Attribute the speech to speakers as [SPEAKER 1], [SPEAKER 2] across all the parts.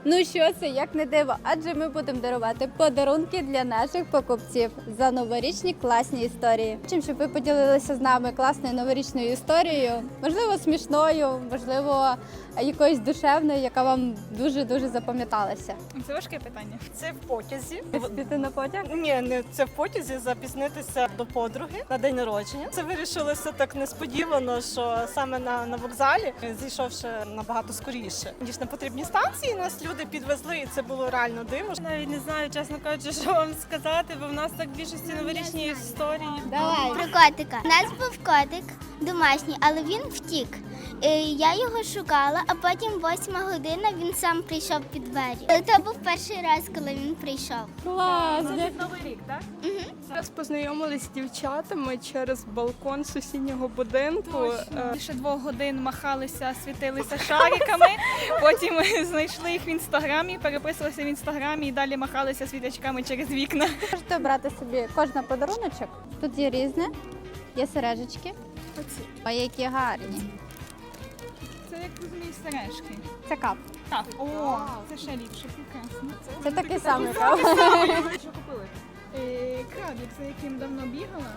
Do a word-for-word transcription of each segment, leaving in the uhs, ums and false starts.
[SPEAKER 1] Ну що це, як не диво, адже ми будемо дарувати подарунки для наших покупців за новорічні класні історії. Чим, щоб ви поділилися з нами класною новорічною історією, можливо, смішною, можливо, якоюсь душевною, яка вам дуже-дуже запам'яталася.
[SPEAKER 2] Це важке питання.
[SPEAKER 3] Це в потязі.
[SPEAKER 1] Піти на потяг?
[SPEAKER 3] Ні, не це в потязі запізнитися до подруги на день народження. Це вирішилося так несподівано, що саме на, на вокзалі, зійшовши набагато скоріше, ніж на потрібній станції, нас люди підвезли, і це було реально диво.
[SPEAKER 2] Навіть не знаю, чесно кажучи, що вам сказати, бо в нас так більшості новорічні історії.
[SPEAKER 1] Давай.
[SPEAKER 4] Про котика. У нас був котик домашній, але він втік. Е, Я його шукала, а потім восьма година він сам прийшов під двері. Це був перший раз, коли він прийшов.
[SPEAKER 1] Клас!
[SPEAKER 2] Новий рік, так?
[SPEAKER 5] Зараз познайомилися з дівчатами через балкон сусіднього будинку. Е,
[SPEAKER 2] Більше двох годин махалися, світилися шариками, потім знайшли їх в інстаграмі, переписувалися в інстаграмі і далі махалися світячками через вікна.
[SPEAKER 1] Можете обрати собі кожна подаруночок. Тут є різне, є сережечки. Ой, які гарні.
[SPEAKER 2] Це, як розумієш, сережки.
[SPEAKER 1] Це кап.
[SPEAKER 2] Так, о, це ще ліпше, прекрасно.
[SPEAKER 1] Це такий самий кап.
[SPEAKER 2] Що купили? Е, Крабік, за яким давно бігала.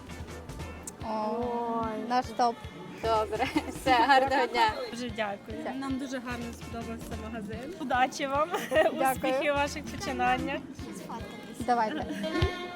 [SPEAKER 1] Ой, наш топ. Добре, все, гарного дня.
[SPEAKER 2] Дуже дякую.
[SPEAKER 1] Так.
[SPEAKER 2] Нам дуже гарно сподобався магазин. Удачі вам,
[SPEAKER 1] Дякую.
[SPEAKER 2] успіхів у ваших починаннях.
[SPEAKER 1] Давайте.